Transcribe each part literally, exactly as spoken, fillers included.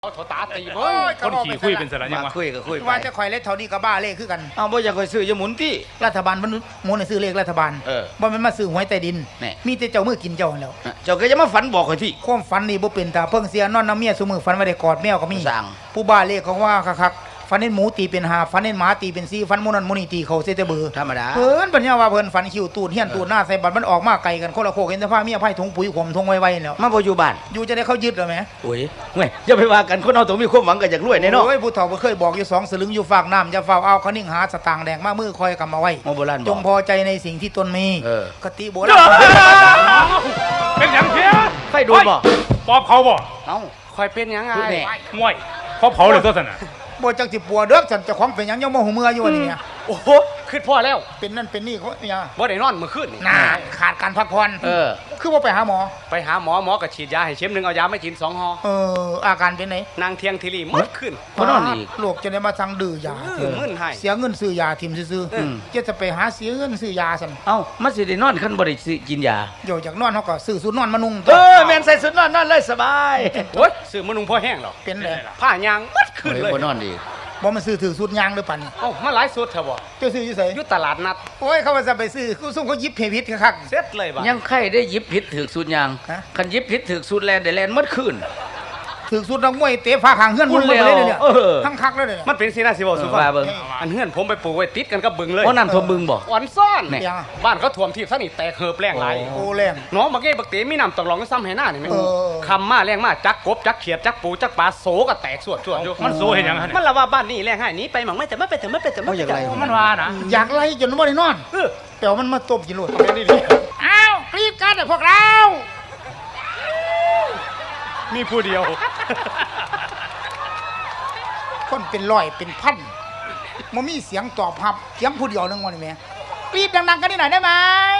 เอาโถตาตีเฮ้ยคนขี่คุยเป็นสระยังวะคุยก็คุยไปว่าจะคอยเล็ดเท่านี้ก็บ้าเลขคือกันเอาบ่อยากคอยซื้อจะหมุนที่รัฐบาลมันหมุนให้ซื้อเลขรัฐบาลเออบ่แม่นมาซื้อหวยใต้ดินแน่มีแต่เจ้ามือกินเจ้าหั่นแหล้วเจ้าก็จะมาฝันบอกคอยที่ความฝันนี่บ่เป็นตาเพิ่งเสียนอนน้ำเมียซุมื้อฝันว่าได้กอดแมวก็มีสั่งผู้บ้าเลขของว่าคักๆฝันเห็นหมูตีเป็นห้าฝันเห็นหมาตีเป็นสี่ฝันหมูนั่นหมูนี่ตีเขาเสียแต่เบือธรรมดาเพิ่นปัญญาว่าเพิ่นฝันคิวตูดเฮียนตูดหน้าใส่บัตรมันออกมาไกลกันคนละโคกเห็นแต่ผ้าเมียไผ่ถุงปุ๋ยขมทงไว้ๆแล้วมาบ่อยู่บ้านอยู่จะได้เขายึดเหรอแม่โอ้ยเว้ยอย่าไปว่ากันคนเอาต้องมีความหวังก็อยากรวยแน่เนาะโอ้ยผู้เฒ่าบ่เคยบอกอยู่สองสลึงอยู่ฝากน้ำอย่าเฝ้าเอาเขานิ่งหาสตางค์แดงมามือคอยกำมาไว้โมโบราณบอกจงพอใจในสิ่งที่ตนมีเออกติโบราณเป็นอย่างเพี้ยไฟดูดบ่ปอบเขาบ่เอ้าคอยเป็นยังไงพูดแน่ง่วยเขาเผาเลยตัวสนะบ่จักสิปัวเด้อฉันเจ้าของเป็นหยังยังบ่หูเมื่ออยู่อันนี้เนี่ยโอ้โหขึ้นพ่อแล้วเป็นนั่นเป็นนี่เขาเนี่ยบ่ได้นอนเมื่อคืนนี่น่าขาดการพักผ่อนเออคือว่าไปหาหมอไปหาหมอหมอก็ฉีดยาให้เข็มหนึ่งเอายาไม่กินสองห่อเอออาการเป็นไหนนางเทียงทีรีหมดขึ้นบ่นอนอีกโรคจะได้มาสั่งดื้อยาเออมึนให้เสียเงินซื้อยาทิมซื่ออืมๆจะจะไปหาเสียเงินซื้อยาซั่นเอ้ามันสิได้นอนคันบ่ได้สิกินยาโยจากนอนเฮาก็ซื้อสูตรนอนมานุ่งเออแม่นใส่สุดนอนนอนเลยสบายโอ้ยซื้อมะนุงพ่อแห้งหรอกเป็นเลยผ้ายางหมดขึ้นเลยบ่นอนอีกบ่มันซื้อถือสูตรยางเด้อปันนี่เอ้ามาหลายสุดเถอะบ่เจ้าซื้ออยู่ไสอยู่ตลาดนัดโอ้ยเขาว่าจะไปซื้อกูส่งเขายิบเพพิษคักเสร็จเลยบ่ยังไข่ได้หยิบผิดถูกสูตรยางฮะคันหยิบผิดถูกสูตรแลนได้แลนหมดคืนถือสูตรนักมวยเตะฟ้าข้างเฮือนมุ่นเลยเนี่ยเออทั้งคักเลยเนี่ยมันเป็นสีหน้าสิบ่สุภาว่าพเบิ่งอันเฮือนผมไปปลูกไว้ติดกันกับบึงเลยเพราะน้ำท่วมบึงบ่อ่อนซ่อนแน่ยังบ้านเขาท่วมที่ซะนี่แตกเหิบแรงหลายโอ้แรงน้องบักเก้บักเต๋มีน้ำตกลองซ้ำให้หน้านี่ไหมเออคำมาแรงมาจักกบจักเขียดจักปูจักปลาโสก็แตกสวดสวดอยู่มันโซ่เห็นยังฮะเนี่ยมันละว่าบ้านนี่แรงให้หนี้ไปหมังไม่แต่ไม่ไปแต่ไม่ไปแต่ไม่เอาอย่างไรมันว่านะอยากไล่จนบ่ได้นอนเออแต่ว่ามันมาตบกินโลดเอาไปนี่ดิอ้าวรีบกันเถอะพวกเรามีผู้เดียวคนเป็นร้อยเป็นพันมันมีเสียงตอบรับเสียงผู้เดียวนึงวันนี้แม่รีบดังๆกันนิดหน่อยได้ไหม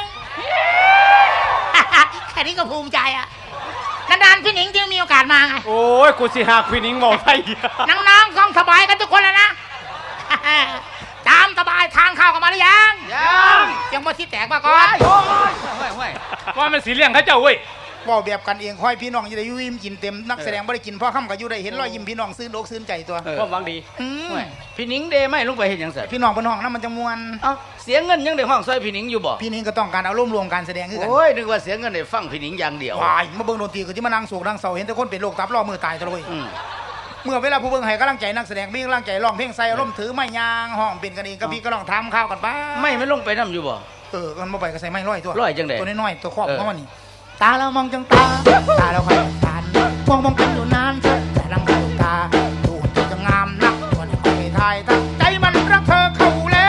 แค่นี้ก็ภูมิใจอ่ะนานๆพี่หนิงที่มีโอกาสมาไงโอ้ยกูสิหาควินิงเมาไทยน้องๆต้องสบายกันทุกคนแล้วนะ ตามสบายทานข้าวกันมาหรือยังยังยังมาที่แตกมาก่อนโอ้ยห้วยห้วยว่ามันสีเลี้ยงเขาเจ้าเว้ยว่าแบบกันเองค่อยพี่น้องจะได้อยุ่ยิ้มกินเต็มนักแสดงไม่ได้กินพ่อค่ำกับอยู่ได้เห็นรอยยิ้มพี่น้องซื้อโลกซื้อใจตัวเออความหวังดีอืมห้วยพี่หนิงเดไม่ลงไปเฮ็ดหยังซั่นพี่น้องเป็นห้องนั้นมันจะมวนเอ้าเสียเงินยังได้ห้องซอยพี่หนิงอยู่บ่พี่นี่ก็ต้องการเอาร่วมรวมการแสดงคือกันโอ้ยนึกว่าเสียเงินได้ฟังพี่หนิงอย่างเดียววายมาเบิ่งดนตรีก็ที่มานั่งโศกนั่งเศร้าเห็นแต่คนเป็นโรคตับรอมือตายตะเลยอืมเมื่อเวลาผู้เบิ่งให้กำลังใจนักแสดงมีกำลังใจร้องเพลงใส่อารมณ์ถือไม้ยางห้องเป็นกันเองก็พี่ก็ลองทำข้าวกันบ้างไม่ไม่ลงไปนํอยู่บ่เออมันมาไปก็ใส่ไม้ร้อยตัวร้อยจังใดตัวน้อยๆตัวครอบเออเข้ามานี่ตาเรามองจังตาตาเราคอยตานมองมองกันอยู่นานแต่ลังเข้าตาดูจะงามนักวันนี้คอยทายตั้งใจมันรักเธอเข้าแล้ว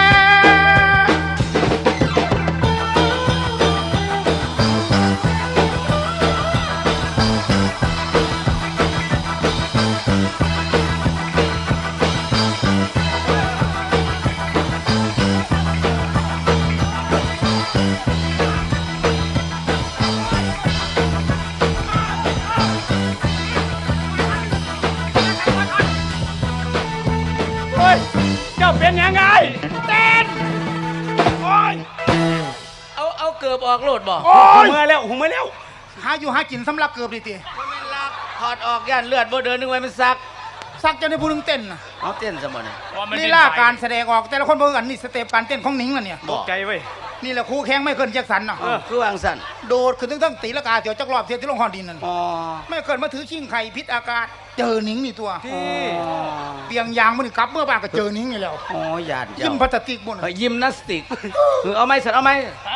เฮ้ย เจ้าเป็นยังไงเต้นโอ้ยเอาเอาเกือบออกโลดบ่โอ้ยมาแล้วหูมาแล้วหาอยู่หากินสำลักเกือบดิตีบ่แม่นลักถอดออกย่านเลือดบ่เดินนึกไว้มันซักสักจะได้ผู้หนึงเต้นน่ะเอาเต้นซะบ่นี่ลีลาการแสดงออกแต่ละคนบ่คือกันนี่สเต็ปการเต้นของหนิงน่ะเนี่ยตกใจเว้ยนี่แหละครูแข้งไม่เคิลแจ็คสันน่ะเออคือวางสั่นโดดขึ้นทั้งๆตีละกาเดี๋ยวจักรอบเทียที่ลงหอนดินนั่นอ๋อไม่เคิลมาถือชิงไข่พิษอากาศเจอหนิงนี่ตัวที่เปียงยางมันกลับเมื่อบ้านก็เจอหนิงนี่แล้วอ๋อญาติยิ้เจ้ามพลาสติกบนเฮ้ยยิมนาสติกเออเอาไหมสันเอาไหม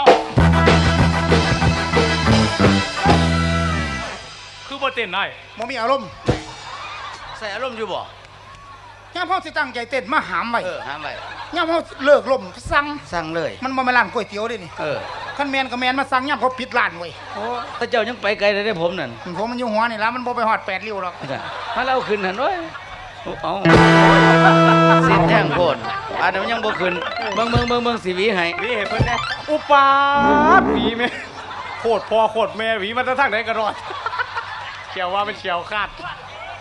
คือบ่เต้นได้บ่มีอารมณ์ใส่อารมณ์อยู่บ่ย่ามพ่อสิตั้งใจเต้นมาหามไว้เออห้ามไว้ย่ามพ่อเลิกลมสั่งสั่งเลยมันบ่แม่นร้านก๋วยเตี๋ยวเด้นี่เออคันแมนก็แมนมาสั่งย่ามเขาปิดร้านไว้โอ้ถ้าเจ้ายังไปไกลได้ได้ผมนั่นผมมันอยู่หัวนี่ละมันบ่ไปฮอดแปดริ้วหรอกถ้าเราขึ้นหันโอ้ยเอาสิแท่งโพดอันนั้นมันยังบ่ขึ้นเบิ่งเบิ่งเบิ่งเบิ่งสิหวีให้หวีให้เพิ่นแน่อุปาดหวีแม่โคตรพ่อโคตรแม่หวีมันจะทั้งไหนก็รอดเชียวว่าเป็นเชียวคาด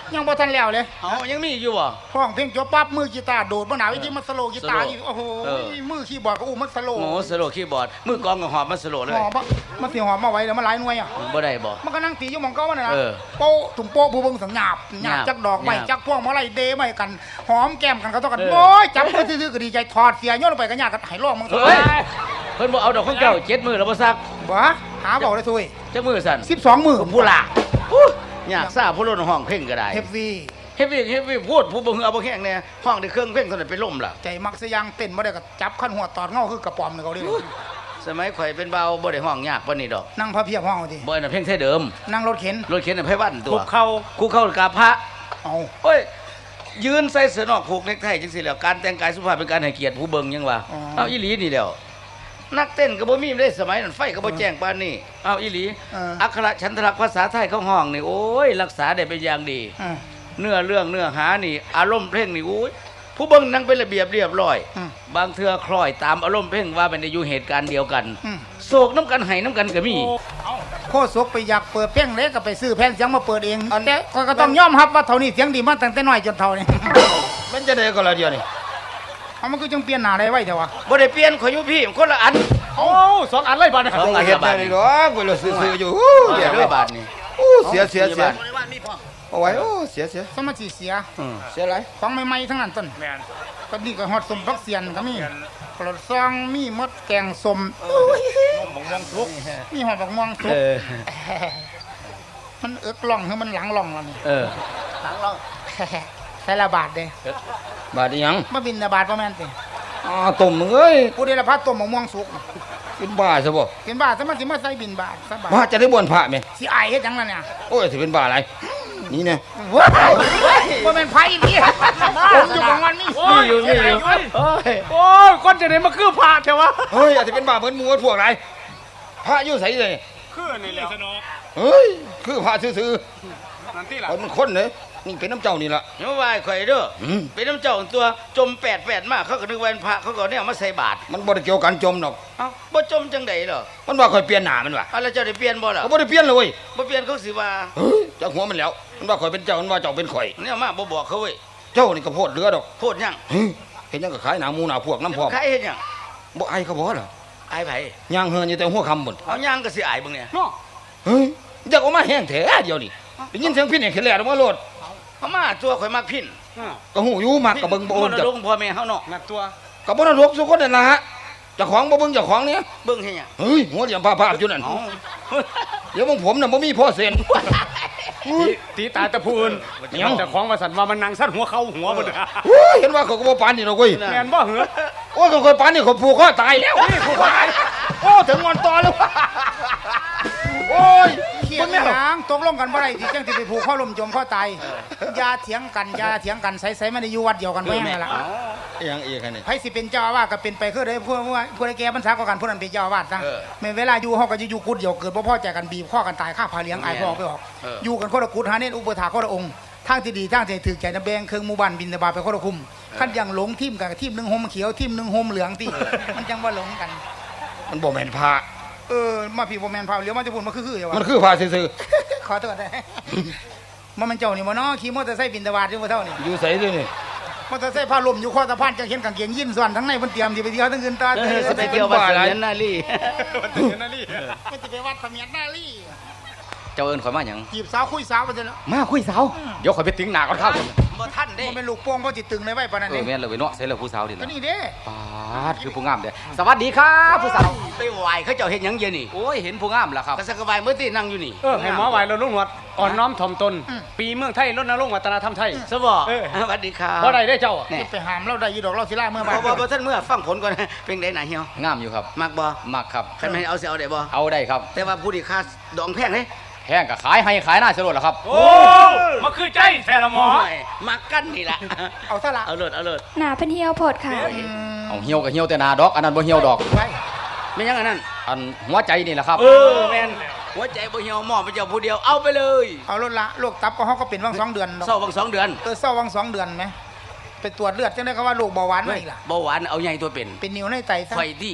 ยังบ่ทันแล้วเลยเอายังมีอยู่บ่ห้องเพลงจบปั๊บมือกีตาร์โดดบ่หนาวอีกทีมันสโลว์กีตาร์อีกโอ้โหเออมือคีย์บอร์ดก็อู้มันสโลว์โอ้สโลว์คีย์บอร์ดมือกลองก็หอบมาสโลว์เลหยอมบ่มันสิหอมมาไว้แล้วมันหลายหน่วยอ่ะบ่ได้บ่มันก็นั่งตีอยู่หมองเก่ามันน่ะนะเออโป๊ะถุงโป๊ะผู้เบิ่งสังหยาบหยาบหยาบจักดอกไม้หยาบจักพวงมาลัยเดไม้กันหอมแก้มกันเขาต้องกันเออโอ้ยจับมือซื่อๆก็ดีใจถอดเสียโยนลงไปก็ยากกันให้ร้องมึงเฮ้ยเพิ่นบ่เอาดอกของเจ้าเจ็ดมื้อแล้วบ่ซักบ่หาเบาได้ซุยจักมื้อสั่นสิบสองมื้อผู้ล่ะอู้อยากทราบผู้ล้นห้องเพลงก็ได้เฮฟวีเฮฟวี่เฮฟวี่พูดผู้บ่ฮือเอาบ่แห้งแน่ห้องได้เครื่องเพลงเท่านั้นไปล่มล่ะใจมักสยางเต้นบ่ได้ก็จับขั้นหัวตอดเงาคือกระป๋อมนี่เขาเรียกสมัยข่อยเป็นเบาบ่ได้ห้องยากปานนี้ดอกนั่งพระเพียบห้องเอาทีบ่อันนั้นเพลงไทยเดิมนั่งรถเข็นรถเข็นน่ะไผวันตัคุวกเข่ากูเข้ากราบพระเอาโอ้ยยืนใส่เสื้อนอกผูกเนคไทจังซี่แหล้วการแต่งกายสุภาพเป็นการให้เกียรติผู้เบิ่งยังว่าเอาอีหลีนี่แหล้วนักเต้นก็บ่มีได้สมัยนั้นไฟก็บ่แจ้งปานนี้เอาอีหลีเอออักขระฉันทลักษณ์ภาษาไทยเขาห้องนี่โอ้ยรักษาได้เป็นอย่างดีอืมเนื้อเรื่องเนื้อหานี่ อารมณ์เพลงนี่โอ้ยผู้เบิ่งนั่งเป็นระเบียบเรียบร้อยอืมบางเทื่อคล้อยตามอารมณ์เพลงว่าเป็นได้อยู่เหตุการณ์เดียวกันอืมโศกน้ำกันไห้น้ำกันก็มีโคศกไปอยากเปิดเพลงเล็กก็ไปซื้อแผ่นเสียงมาเปิดเองแต่ข้อยก็ต้องยอมรับว่าเท่านี้เสียงดีมาตั้งแต่น้อยจนเท่านี้มันจะได้ก็ละเดียวนี่เอามันก็จังเปลี่ยนหน้าได้ไว้เถอะวะบ่ได้เปลี่ยนขอยอยู่พี่คนละอันโอ้สองอันเลยบาดนะสองอันเฮ็ดบาได้ทเลยนี่ดอกเวลาซื้อๆอยู่อู้เดี๋ยวด้วยบาทนี่อู้เสียเสียเสียบาทเอาไว้โอ้เสียเสียสมาธิเสียอืมเสียอะไรของใหม่ๆทั้งนั้นต้นแมนก็นี่ก็ฮอดสมพักเสียนก็มีปลดซองมีมดแกงสมมองมองทุกมีหอดบักม่วงสุเอก อมันเอิกล่องคือมันหลังล่องแล้วนี่เออหลังล่อง ใส่ละบาทเด้บาดอีหยังมาบินละบาทประมาณติอ้าต้มมึงเอ้ยผู้ใดละพัดต้มบักม่วงสุกเป็นบ้าซะบ่กินบาทซะมันสิมาใส่บินบาทซะบาทว่าจะได้บวนพระไหมสิอายเฮ็ดหยังล่ะเนี่ยโอ้ยสิเป็นบ้าอะไรนี่เนี่ยว้ายบ่แม่นไผนี่ผมอยู่ของมันนี่มีอยู่มีอยู่โอ้ยโอ้ยคนจะได้มาคือพระเถอะวะเฮ้ยอาจจะเป็นบ้าเหมือนหมูพวกไรพระอยู่ไสเลยคือนี่แหละเฮ้ยคือพระซื่อนั่นที่ๆล่ะเอามันคนเลยนี่เป็นน้ำเจ้านี่ล่ะเดี๋ยวว่าข่อยเด้ออืมเป็นน้ำเจ้าตัวจมแปดแปดมากเขาก็นึกว่าเป็นพระเขาก็เนี่ยเอามาใส่บาตรมันบ่ได้เกี่ยวกันจมดอกเอ้าบ่จมจังไดเหรอมันว่าข่อยเปลี่ยนหน้ามันว่ะเอาแล้วเจ้าได้เปลี่ยนบ่ล่ะเขาบ่ได้เปลี่ยนเลยเว้ยบ่เปลี่ยนเขาสิว่าเฮ้ยจากหัวมันแล้ว มันว่าข่อยเป็นเจ้ามันว่าเจ้าเป็นข่อยเนี่ยมาบ่บอกเขาเว้ยเจ้านี่ก็โพดเรือดอกโพดหยังเฮ้ยเห็นยังก็ขายหนาหมูหนาพวกน้ำพร้อมใครเฮ็ดหยังบ่ไอายเขาบ่เหรออายไผย่างเฮือนอยู่แต่หัวคำบุญเอาย่างก็สิอายเบิ่งเนี่ยเนาะเฮ้ยอยากออกมาแห้งแท้เดียวนี่ได้ยินเสียงพี่เนี่ยเข็นแหลกออกมาโลดเอามาตัวข่อยมักพินอ่าก็หูอยู่มักกับเบิ่งบ่โอนมรจักดกพ่อแม่เฮาเนาะนักตัวกับบ่นรกสุคนนั่นล่ะฮะเจ้าของบ่เบิ่งเจ้าของเนี่ยเบิ่งเฮ็ดหยังเฮ้ยหัวเหลี่ยมภาพๆอยู่นั่นเอ้าเดี๋ยวมึงผมน่ะบ่มีพ่อเซ็นตีตีตาแต่ผู้อื่นเหนียวแต่ของมาสั่นว่ามันนางสั้นหัวเข้าหัวบ่ได้โอ้ยเห็นว่าเขาก็บ่ปานนี่ดอกเว้ยแมนบ่เหรอโอ้ยเขาเคยปานนี่เขาผูกคอตายแล้วนี่ผูกคอตายโอ้ถึงงอนต่อแล้วโอ้ยเขียงหยังตกลงกันบ่ได้ที่จังสิไปผูกข้อลมจมข้อตายอย่าเถียงกันอย่าเถียงกันใส่ๆมันได้อยู่วัดเดียวกันแม่งนั่นล่ะเอียงเอียงกันนี่ไผสิเป็นเจ้าอาวาสก็เป็นไปคือได้ผู้ว่าผู้ใดแก่พรรษากว่ากันผู้นั้นเป็นเจ้าอาวาสซะเออแม่นเวลาอยู่เฮาก็จะอยู่กุดเดียวเกิดบ่พอใจกันบีบข้อกันตายฆ่าพาเลี้ยงอายพ่อไปออกเออออยู่กันคนละกุดหาเน้นอุปถาคนละองค์ทางที่ดีทางที่ถูกใจนะแบ่งเครื่องหมู่บ้านบินตบาตไปคนละคุมคันอย่างหลงทีมกันกับทีมหนึงห่มเขียวทีมหนึงห่มเหลืองติมันจังว่าหลงกันมันบ่แม่นพระเออมาพี่บ่แม่นพาเหลียวมาจะพูดมาคือๆอยู่ว่ามันคือพระซื่อขอโทษนะ มันมันเจ้านี่บ่เนาะขี่มอเตอร์ไซค์บินตบาตอยู่บ่เท่านี่ๆอยู่ไสด้วยนี่มอเตอร์ไซค์พาลมอยู่ข้อสะพานจังเห็นกางเกงยีนส่วนทั้งในเพิ่นเตรียมสิไปเที่ยวทั้งคืนตาเออสิไปเที่ยววัดเสมียนนาลีมันเป็นอย่างนั่นนี่มันสิไปวัดเสมียนนาลีเจ้าเอิ้นข่อยมาหยังจีบสาวคุยสาวไปเถอะเนาะมาคุยสาวเดี๋ยวข่อยไปติ้งหน้าก่อนครับบ่ทันเด้มันเป็นลูกโป่งเพราะจิตตึงในไว้ปานนั้นเอเออง แม่นเลยเว้ยเนาะใส่แล้วผู้สาวดิก็ล่ะนี่เด้ปาดคือผู้งามเด้สวัสดีครับผู้สาวไปไหว้เขาเจ้าเฮ็ดหยังเย็นนี่โอ้ยเห็นผู้งามแล้วครับก็สักกะบายมื้อที่นั่งอยู่นี่เออให้หมอไหวเราลุงหนวดอ่อนน้อมถ่อมตน ปีเมืองไทยรณรงค์วัฒนธรรมไทยสบ่เออสวัสดีครับบ่ได้ได้เจ้าอะแน่ไปหามเราได้อยู่ดอกเราสิล่าเมื่อบ่บ่ายบ่บ่ท่านเมื่อฟังผลก่อนนะเป็นไดหนาเหี่ยวงามอยู่ครับมักบ่มักครับคันแม่นเอาสิเอาได้บ่เอาได้ครับแต่ว่าผู้ที่ค่าดองแพงเด้แห้งก็ขายให้ขายหน้าสลดแล้วครับโอ้มาคือใจแท้ละหมอโยมักกันนี่ล่ะเอาซะละเอาเลิศเอาเลิศหนาเพิ่นเหี่ยวโพดค่ะเอาเหี่ยวก็เหี่ยวแต่หนาดอกอันนั้นบ่เหี่ยวดอกไว้ไม่ยังอันนั้นอันหัวใจนี่แหละครับเออแม่นหัวใจบ่เหี่ยวหมอไปเจ้าผู้เดียวเอาไปเลยเอารถละโรคตับก็เฮาก็เป็นวังสองเดือนดอกเศร้าบางสองเดือนเออเศร้าวังสองเดือนไหมไปตรวจเลือดจังได้ก็ว่าโรคเบาหวานมาอีกล่ะเบาหวานเอาใหญ่ตัวเป็นเป็นนิ้วในไตซะไฟดีโ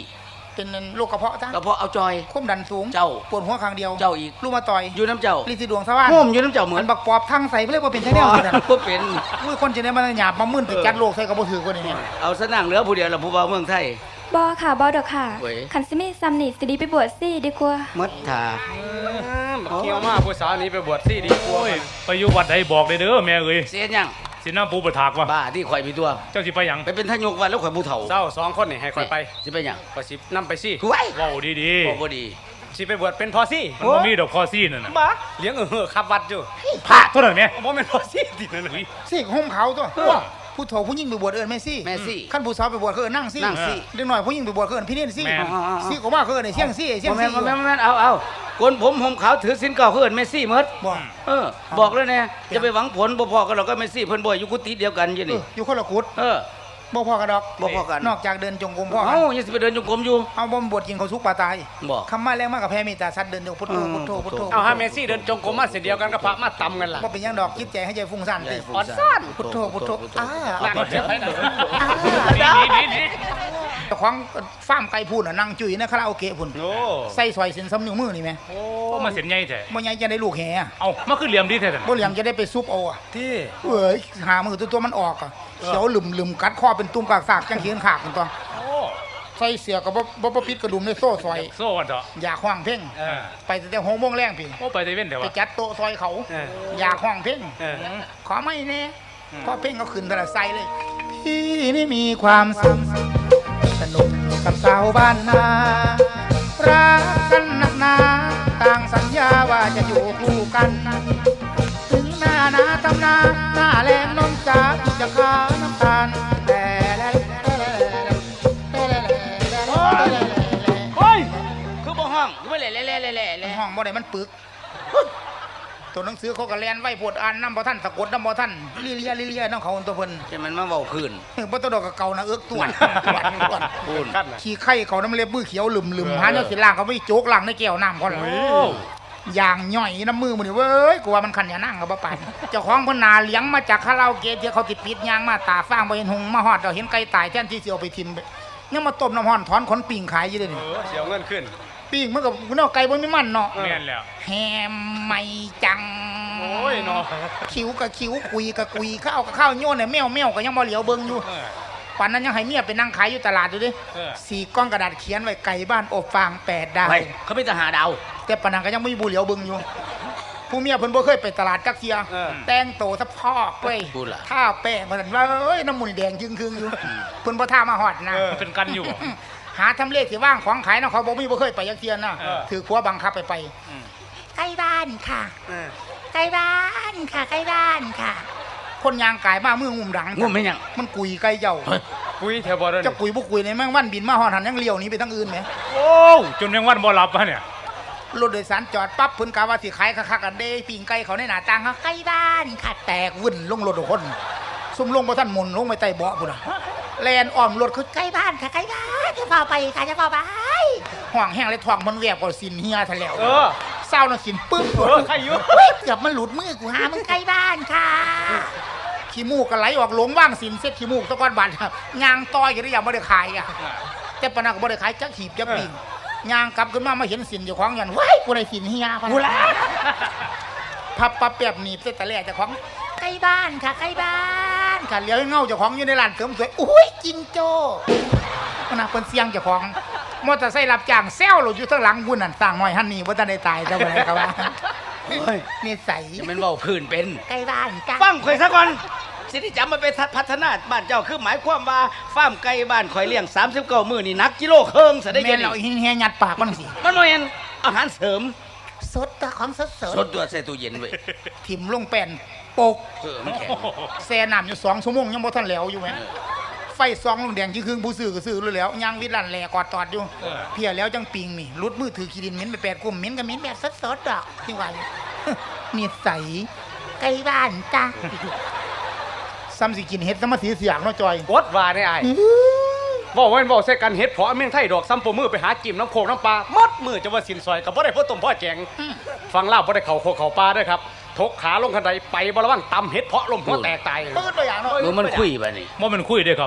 เป็นโรคกระเพาะจ้ะกระเพาะเอาจอยความดันสูงเจ้าปวดหัวข้างเดียวเจ้าอีกลูกมาต่อยอยู่น้ำเจ้าลิซิดวงสว่างโม่มอยู่น้ำเจ้าเหมืเหอมือน นบักปอบทั้งใส่เพื่อเรียกว่าเป็นไชแนลกันบ่เป็นอุ้ยคนจะได้มาหยาบมามื่นไปจัดโลกใส่กระบอกถือคนนี้เอาซะนั่งเหลือผู้เดียวละผู้บ่าวเมืองไทยบอค่ะบอดอกค่ะเว้ยขันซิมีซัมนี่สิดีไปบวชซี่ดีกว่ามัดถาบักเกี่ยวมาผู้สาวนี้ไปบวชซี่ดีกว่าโอ้ยไปอยู่วัดใดบอกเลยเด้อแม่เอ้ยเสียยังสิน้ำปูประถากว่ะบ้าที่ข่อยมีตัวเจ้าสิไปหยังไปเป็นทายกวันแล้วข่อยผู้เฒ่าเจ้าสองคนนี่ให้คอยไปสิไปหยังก็สินำไปซี่ไว้เว้าดีบ่บ่ดีสิไปบวชเป็นพอซี่ๆมันบ่มีดอกคอซี่นั่นน่ะบ้าเลี้ยงเออขับวัดอยู่พระเท่านั้นแม่บ่แม่นพอซี่ติดนั่นเลยสิห่มเขาตัวผู้โถผู้ยิ่งไปบวชเอิญแม่ซี่แม่ซี่ขั้นผู้สาวไปบวชเขาเอิญนั่งซี่นั่งซี่เด็กหน่อยผู้ยิ่งไปบวชเขาเอิญพี่เนียนซี่แม่นซี่ก็ว่าเขาเอิญไอ้เสี่ยงซี่ไอ้เสี่ยบ่งแม่ซี่นบ่แม่นบ่แม่นเอาเอาคนผมผมขาวถือศีลเก่าคือเอิ้นเมสซี่หมดบอกเออ บอกแล้วแน่จะไปหวังผลบ่พอกันหรอกก็เมสซี่เพิ่นบ่อยู่กุฏิเดียวกันอยู่เอนี่ออยู่คนละกุดเออบ่พอกันดอกบ่พอกันนอกจากเดินจงกรมพ่อกัเอ้าน ยังสิไปเดินจงกรมอยู่เอาบ่มบวชกินเขาสุกปลาตายบอกคำมาแรงมากกับแพ้เมตตาสัตว์เดินจงพุทโธพุทโธพุทโธเอาฮาเมซี่เดินจงกรมมาเสร็จเดียวกันกับพระมาตำกันล่ะว่าเป็นหยังดอกคิดใจให้ใจฟุ้งซ่านสิอ่อนซ่อนพุทโธพุทโธอ่าหนักเจ็บไปหน่อยนี่นี่นี่เจ้าของฟาร์มไก่พูนน่ะนั่งจุ๋ยนะคาราโอเกะพุ่นโอ้ใส่ซอยเส้นซ้ำนิ้วมือนี่แม่โอ้โอ้มาเสียนใหญ่แท้บ่ใหญ่จะได้ลูกแห่อะเอามาขึ้นเหลี่ยมดีแท้ซั่นบ่เหลี่ยมจะได้ไปซุปเอาอะที่เอ้ยหามือตัวตัวมันออกอะเขียวหลึมหลึมกัดคอเป็นตุ่มกากสากจังเขียนขากกันตัวโอ้ใส่เสียกับบ่บ่บ่ปิดกระดุมในโซ่ซอยโซ่วันเถอะอยากห้องเพ่งเออไปตั้งแต่หกโมงแรงพี่โอ้ไปแต่เว้นแต่ไปว่าจัดโต๊ะซอยเขาเอออยากห้องเพ่งเออขอไม่แน่พอเพ่งเขาขึ้นแต่ละไซเลย พี่นี่มีความสุขสนุกกับสาวบ้านนารักกันนักหนาต่างสัญญาว่าจะอยู่คู่กัน ถึงหน้านาทำนาหน้าแรงน้องจ๋าที่จะขาน้ำตาลแต่แล้วโอ้ยคือบ่ห้องคือบ่แหล่แหล่แหล่แหล่แหล่ห้องบ่ได้มันปึก ตัวหนังสือเขาก็แลนไว้ปวดอ่านน้ำบ่ท่านสะกดน้ำบ่ท่านลิเลียลิเลียน้องเขาตัวเพิ่นใช่มันมาเว้าคืนบ่ต้องดอกกับเก่านะเอิกตวนตวนตวนพูนขั้นน่ะขี้ไข่เขาน้ำเล็บมือเขียวหลึมหลึมหาเนาะสิล่างเขาไม่โจกล่างในแก้วน้ำก่อนโอ้อย่างย่อยน้ำมือมันนี่เว้ยกูว่ามันขันอย่านั่งกับบ่ปานเจ้าของเพิ่นนาเลี้ยงมาจากคาราโอเกะที่เขาติดปิดยางมาตาฟ้างบ่เห็นหงมาฮอดเราเห็นไก่ตายแทนที่สิเอาไปทิ่มยังมาต้มน้ำร้อนถอนขนปิ่งขายอยู่เด้นี่เออเสียวเงินขึ้นปิ่งมันก็เนาะไก่บ่มีมันเนาะแม่นแล้วแฮมไม่จังโอ้ยเนาะคิ้วกับคิ้วคุยกับคุยข้าวกับข้าวโยนเนี่ยแมวแมวก็ยังบ่เหลียวเบิ่งอยู่เออปันนั้นยังให้เมียไปนั่งขายอยู่ตลาดอยู่ดิเออสี่ก้อนกระดาษเขียนไว้ไก่บ้านอบฟางแปดดาวไปเขามีแต่หาดาวแต่ปานนั้นก็ยังไม่มีบุเหลียวเบิ่งอยู่ ผู้เมียเพิ่นบ่เคยไปตลาดจักเทียเออแต่งโตสะพอกเว้ยพูดล่ะท่าแป้งมันว่าเอ้ยน้ำมูนี่แดงจึงครึ่งอยู่เพิ่นบ่ท่ามาฮอดนะมันเป็นกันอยู่บ่หาทำเลขที่ว่างของขายเนาะเขาบ่มีบ่เคยไปจักเทียนะเออถือผัวบังคับไปไปอืมใกล้บ้านค่ะเออใกล้บ้านค่ะใกล้บ้านค่ะ คนยางกายมามืองุ่มดังงุ่มเป็นหยังมันกุยไกลเจ้าคุยแถวบ่เด้อจะกุยบุกุยในแม่งวันบินมาหอนหันยังเลี้ยวหนี้ไปทั้งอื่นไหมโอ้จนยังวันบ่หลับวะเนี่ยรถโดยสารจอดปั๊บเพิ่นกาว่าสิขายคักๆกันเด้ปิ่งไก่เขาในหน้าต่างเขาใกล้บ้านค่ะแตกวุ่นลงรถทุกคนซุ่มลงบ่ทันหมุนลงไปใต้เบาะพุ่นน่ะแลนอ้อมรถคือใกล้บ้านค่ะใกล้บ้านจะพาไปค่ะจะพาไปห่วงแห้งเลยท้องมันแวบกว่าสินเฮียทะแล้วเออเศร้าน่ะสินปึ๊บเออใครอยู่เฮ้ยเกือบมันหลุดมือกูหามึงใกล้บ้านค่ะขี้มูกก็ไหลออกหลงว่างสินเซ็ตขี้มูกตะก้อนบาดยางต้อยก็ได้ยังบ่ได้ขายอ่ะ แต่ปานนันก็บ่ได้ขายจักหีบจักปิ่งย่างกลับขึ้นมามาเห็นสินเจ้าของยันว้ายกูได้สินเฮียกูละพับปับแป๊บหนีบเส้นตะแล่เจ้าของใกล้บ้านค่ะใกล้บ้านค่ะเลี้ยวให้เงาเจ้าของอยู่ในร้านเสริมสวยอุ้ยจิงโจ้มันน่ะเพิ่นเสียงเจ้าของมอเตอร์ไซค์รับจ้างแซวรถอยู่ข้างหลังพุ่นนั่นสร้างน้อยหันนี่บ่ทันได้ตายแต่ว่าอะไรก็ว่าโอ้ยนิสัยจะเป็นเว้าคืนเป็นใกล้บ้านจ้ะฟังข่อยซะก่อนสิที่จำมาไปพัฒนาบ้านเจ้าคือหมายความว่าฟาร์มไก่บ้านข่อยเลี้ยงสามสิบเก้ามื้อนี่หนักกิโลครึ่งซะได้แม่ยันงเราเฮียยัดปากมันสิมันบ่แม่นอาหารเสริมสดตัวของสดสดสดตัวใส่ตู้เย็นไว้ถิ่มลงแป้นปกเออมันแข็งแซ่น้ำอยู่สองชั่วโมงยังบ่ทันแล้วอยู่แหมไฟซองลงแดงที่ครึ่งผู้ซื้อก็ซื้อเลยแล้วยางวิดลันแหลกอดตอดอยู่เออเพียแล้วจังปิงนี่รุดมือถือขี้ดินเหม็นไปแปดกุมเหม็นก็เหม็นแบบสดๆดอกที่ว่าอยู่ นิสัยไกลบ้านจ้ะซ้ำสิกินเห็ดซ้ำมาสีเสียงเนาะจอยกดว่าได้อ้ายบอกว่าบอกใส่กันเฮ็ดเพราะเมืองไทยดอกซ้ำปมือไปหาจิ้มน้ำโคกน้ำปลาหมดมือจะว่าสินซอยกับบ่ได้พ่อต้มพ่อแจงฟังเล่าบ่ได้เข่าโคกเข่าปลาด้วยครับทกขาลงคันใดไปบ่ระวังตำเฮ็ดเพาะลมหัวแตกตายเปิดตัวอย่างเนาะมือมันคุยบ่นี่บ่แมันคุยเด้อครับ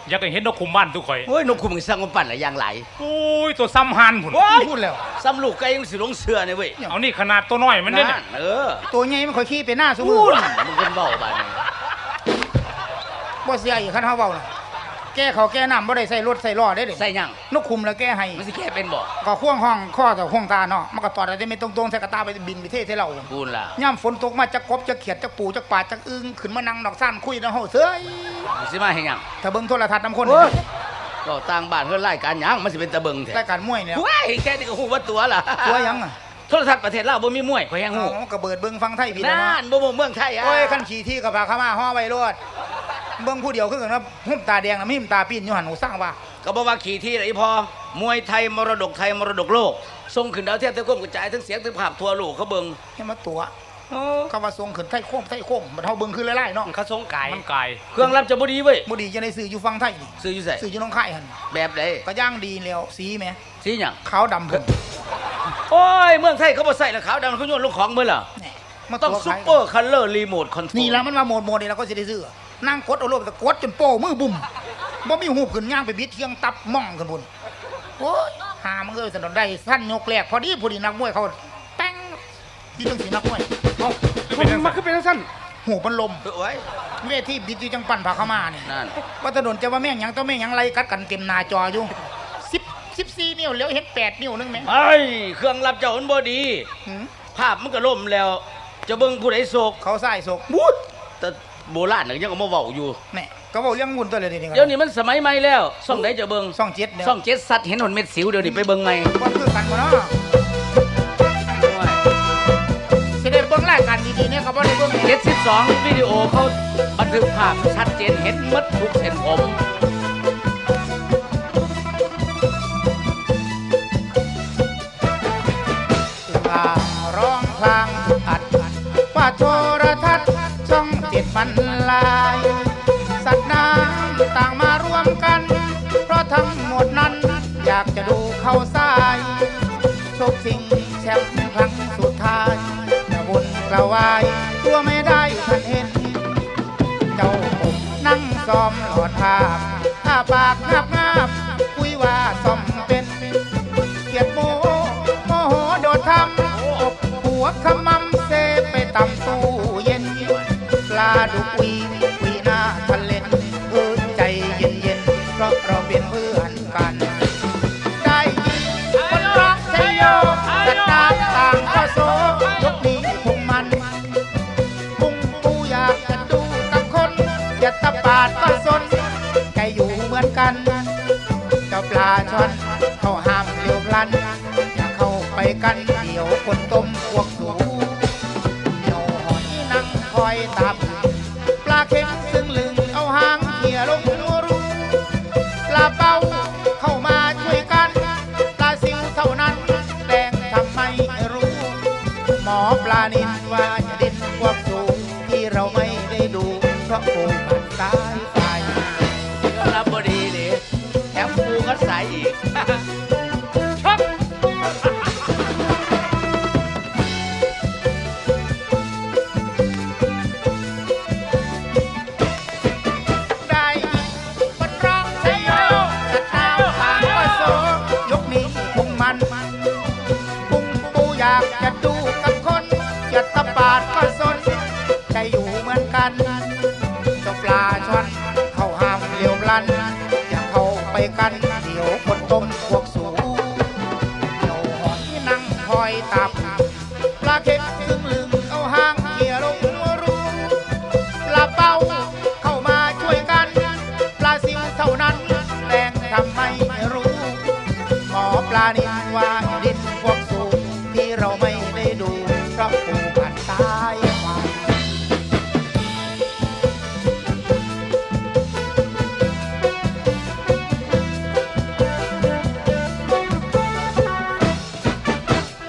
อยากให้เห็นนกคุมบ้านทุกข่อยโอ้ยนกคุมมึงสร้างมาปั่นหลายอย่างหลายโอ้ยตัวซ้ำหันผุนโอ้ยพูดแล้วซ้ำลูกไก่ยังสิลงเสือเนี่ยเว้ยเอานี่ขนาดตัวน้อยมันเนี่ยนั่นเออตัวใหญ่มันค่อยขี้ไปหน้าซุมืพูอดมึงเป็นเบาบ้านนี้บ่เสียอีกคันเฮาเว้าน่ะแก้เขาแก้น้ำบ่ได้ใส่รถใส่ล้อได้เด้ใส่หยังนกคุมแล้วแก้ให้มันสิแก้เป็นบ่ก็ข่วงห้องข้อแต่ข่วงตาเนาะมันก็ตอดได้ไม่ตรงๆใส่กระตาไปบินไปเทศให้เราพูดล่ะย่ำฝนตกมาจักกบจักเขียดจักปูจักปลาจักอึ้งขึ้นมานั่งดอกซ่านคุยนำเฮาเซ้ยมึงสิมาเฮ็ดหยังถ้าเบิ่งโทรทัศน์นำคนโอ้ยก็ต่างบ้านเพิ่นรายการหยังมันสิเป็นตะเบิงแท้รายการมวยเนี่ยว้ายแค่นี้ก็ฮู้ว่าตัวล่ะตัวหยังอ่ะโทรทัศน์ประเทศลาวบ่มีมวยข่อยแฮงฮู้อ๋อก็เบิดเบิ่งฟังไทยพี่แล้วนั่เนาะนบ่บ่เมืองไทยอ่ะโอ้ยคันขี่ที่กับพาเข้ามาห่อไว้โลดเบิ่งผู้เดียวคือกันว่าหุ่มตาแดงน่ะมีหุ่มตาปีนอยู่หั่นหนูสร้างว่าก็บ่ว่าขี่ที่ไหนพอมวยไทยมรดกไทยมรดกโลกส่งขึ้นดาวเทียมทั้งความกระจายทั้งเสียงทั้งภาพทั่วโลกเขาเบิ่งให้มาตัวเขาว่าทรงขึ้นไทยโค้งไทยโค้งมันเฮาเบิ่งคือหลายๆเนาะเขาทรงไก่มันกายเครื่องรับจะบ่ดีเว้ยบ่ดีจะได้ซื้ออยู่ฟังไทยนี่ซื้ออยู่ไสซื้ออยู่หน้องค่ายหั่นแบบใดก็ย่างดีแล้วสีแหมสีหยังขาวดำเพิ่นโอ้ยเมืองไทยเขาบ่ใส่แล้วขาวดำเขาโยนลงของเบิ่ล่ะแหน่มาต้องตัวซุขาปยเปอร์คัลเลอร์รีโมทคอนโทรลนี่แล้วมันว่าโหมดโหมดนี่เราก็สิได้ซื้อนั่งกดเอาโลดแต่กดจนโป้มือบุ่มบ่มีหูบขึ้นย่างไปบิดเทียงตับม่องขึ้นพุ่นโอ้ยหามันเอ้ยสนดได้สั้นยกแรกพอดีพอดีนักมวยเขาแป้งที่จังสีนักมวยเอ้ามันมาคือเป็นจังซั่นหูมันลมโอ้ยเวทีบิดอยู่จังปั่นผาเข้ามานี่นั่นว่าถนนจะว่าแม่งหยังต้องแม่งหยังไรกัดกันเต็มหน้าจออยู่สิบสิบสี่นิ้วแล้วเห็นแปดนิ้วนึงไหมไอ้ยเครื่องรับเจ้ามันบ่ดีหืมภาพมันก็ล่มแล้ว จะเบิ่งผู้ใดโศกเขาใส่ศกบูดแต่โบราณน่ะยังก็มาเว้าอยู่แน่ก็บอกเรื่องงุนตัวเลยนี่เดี๋ยวนี้มันสมัยใหม่แล้วช่องใดจะเบิ่งซ่องเจ็ดเนี่ยช่องเจ็ดสัตว์เห็นหนเม็ดสิวเดี๋ยวนี้ไปเบิ่งใหม่ว่าคือกันบ่เนาะสิได้เบิ่งรายการดีๆเนี่ยเขาบ่ได้เบิ่งเจ็ดสิบสองวิดีโอเขาบันทึกภาพชัดเจนเห็นหมดทุกเส้นผมลาร้องพลางอัดว่าโทรทัศน์ช่องเจ็ดมันลาย สัตว์น้ำต่างมารวมกัน เพราะทั้งหมดนั้นอยากจะดูเข้าทรายโชคสิ่งแชมป์ครั้งสุดท้ายจะบนกระวายตัวไม่ได้ทันเห็น เจ้าผมนั่งซ้อมหลอดภาพอ้าปากงับงับคุยว่าซ่อมเป็นเกียดโมโมโหโดดทำอบหัวขมำเซไปตำตู้เย็น ปลาดุกวีวีหน้าทะเลนเออใจเย็นเย็นๆเพราะเราเป็นเพื่อนกัน ได้ยินคนรักชัยโยสัตว์น้ำต่างก็โซยกนี้พุงมัน ปุงปูอยากจะดูกับคนอย่าตะปาดก็สนใจอยู่เหมือนกัน เจ้าปลาช่อนเขาห้ามเร็วพลัน อย่าเข้าไปกันเดี๋ยวคนต้มพวกสูเดี๋ยวหอยนั่งคอยตับ ปลาเค็งซึ่งลึงเอาหางเขี่ยลงรูรูปลาเป้าเข้ามาช่วยกัน ปลาซิวเท่านั้นแดงทำไมรู้ หมอปลานินว่าจะดินความสูงที่เราไม่ได้ดู เพราะโกงมันตายไปก็รับบดีเลยแถมปูก็ใส่อีก ชอบได้คนร้องใช้โยจะตามทางก็โซยกนี้พุงมัน พุงปูอยากจะดูกับคนอย่าตะปาดก็สนใจอยู่เหมือนกันเจ้าปลาช่อนเข้าห้ามเลี้ยวพลัน อย่าเข้าไปกันเดี๋ยวคนต้มพวกสูเดี๋ยวหอยนั่งคอยตับ ปลาเค็มลึงลึงเอาหางเขี่ยลงรูปลาเป้าเข้ามาช่วยกัน ปลาซิวเท่านั้นแรงทำไมรู้ หมอปลานินว่า